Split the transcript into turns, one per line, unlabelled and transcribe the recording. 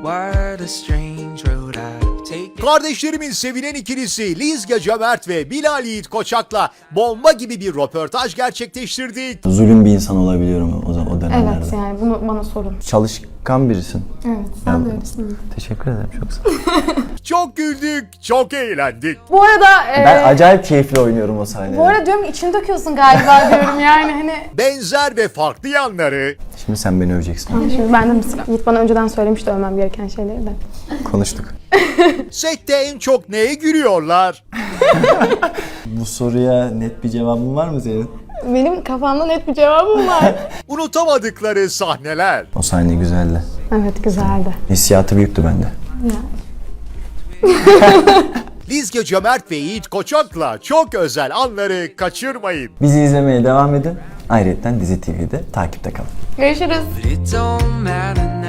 What a strange road I've taken.
Kardeşlerimin sevilen ikilisi Lizge Cömert ve Bilal Yiğit Koçak'la bomba gibi bir röportaj gerçekleştirdik.
Zulüm bir insan olabiliyorum o dönemlerde.
Evet, yani bunu bana sorun.
Çalışkan birisin.
Evet, sen de öylesin.
Teşekkür ederim, çok sağ ol.
Çok güldük, çok eğlendik.
Bu arada...
Ben acayip keyifli oynuyorum o sahnede.
Bu arada diyorum ki içini döküyorsun galiba diyorum yani hani.
Benzer ve farklı yanları,
Şimdi sen beni öveceksin.
Şimdi bende mi sıra? Yiğit bana önceden söylemişti övmem gereken şeyleri de.
Konuştuk.
sette en çok neye gülüyorlar?
Bu soruya net bir cevabın var mı senin?
Benim kafamda net bir cevabım var.
Unutamadıkları sahneler.
O sahne güzeldi.
Evet, güzeldi.
Hissiyatı büyüktü bende.
Lizge Cömert ve Yiğit Koçak'la çok özel anları kaçırmayın.
Bizi izlemeye devam edin. Ayrıca Dizi TV'de takipte kalın.
Görüşürüz.
But it don't matter now.